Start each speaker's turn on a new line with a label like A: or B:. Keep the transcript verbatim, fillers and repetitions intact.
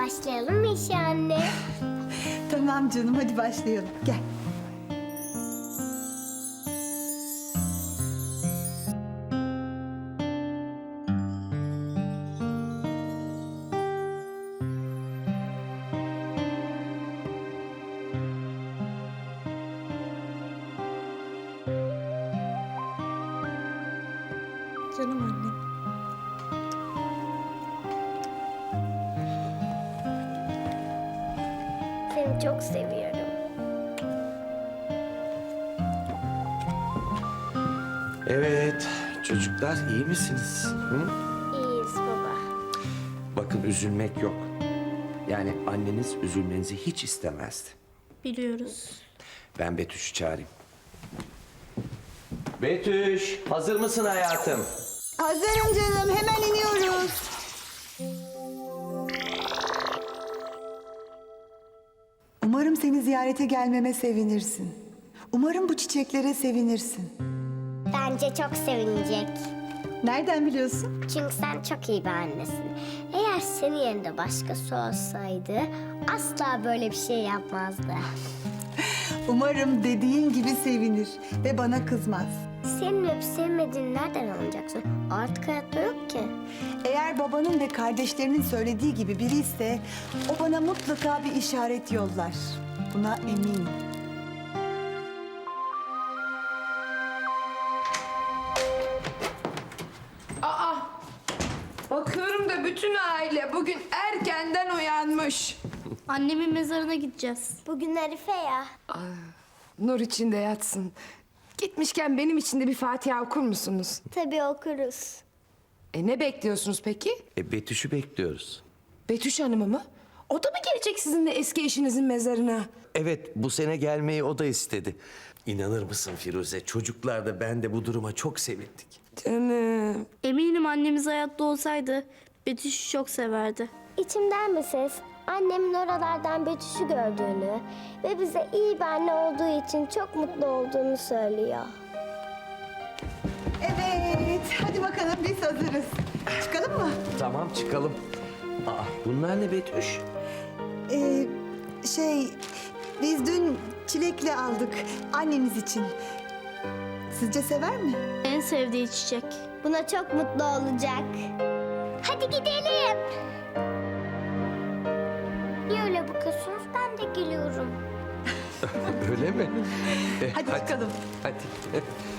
A: Başlayalım mı işe anne?
B: Tamam canım, hadi başlayalım. Gel. Canım annem.
A: Seni çok seviyorum.
C: Evet, çocuklar iyi misiniz? Hı?
A: İyiyiz baba.
C: Bakın üzülmek yok. Yani anneniz üzülmenizi hiç istemezdi.
D: Biliyoruz.
C: Ben Betüş'ü çağırayım. Betüş, hazır mısın hayatım?
B: Hazırım canım, hemen iniyoruz. Umarım seni ziyarete gelmeme sevinirsin. Umarım bu çiçeklere sevinirsin.
A: Bence çok sevinecek.
B: Nereden biliyorsun?
A: Çünkü sen çok iyi bir annesin. Eğer senin yerinde başkası olsaydı asla böyle bir şey yapmazdı.
B: Umarım dediğin gibi sevinir ve bana kızmaz.
A: Senin öp sevmediğini nereden anlayacaksın? Artık hayatta yok ki.
B: Eğer babanın ve kardeşlerinin söylediği gibi biri ise o bana mutlaka bir işaret yollar. Buna eminim.
E: Aa, bakıyorum da bütün aile bugün erkenden uyanmış.
D: Annemin mezarına gideceğiz.
A: Bugün Arife ya.
E: Nur içinde yatsın. Gitmişken benim için de bir Fatiha okur musunuz?
A: Tabii okuruz.
E: E ne bekliyorsunuz peki?
C: E, Betüş'ü bekliyoruz.
E: Betüş Hanım'ı mı? O da mı gelecek sizinle eski eşinizin mezarına?
C: Evet, bu sene gelmeyi o da istedi. İnanır mısın Firuze, çocuklar da ben de bu duruma çok sevindik.
E: Canım.
D: Eminim annemiz hayatta olsaydı Betüş'ü çok severdi.
A: İçimden bir ses annemin oralardan Betüş'ü gördüğünü ve bize iyi bir anne olduğu için çok mutlu olduğunu söylüyor.
B: Evet, hadi bakalım biz hazırız. Çıkalım mı?
C: Tamam, çıkalım. Aa, bunlar ne Betüş?
B: Ee, şey, biz dün çilekli aldık anneniz için. Sizce sever mi?
D: En sevdiği çiçek.
A: Buna çok mutlu olacak. Hadi gidelim. Niye öyle bakıyorsunuz? Ben de geliyorum.
C: Öyle mi? E,
B: Hadi çıkalım.
C: Hadi.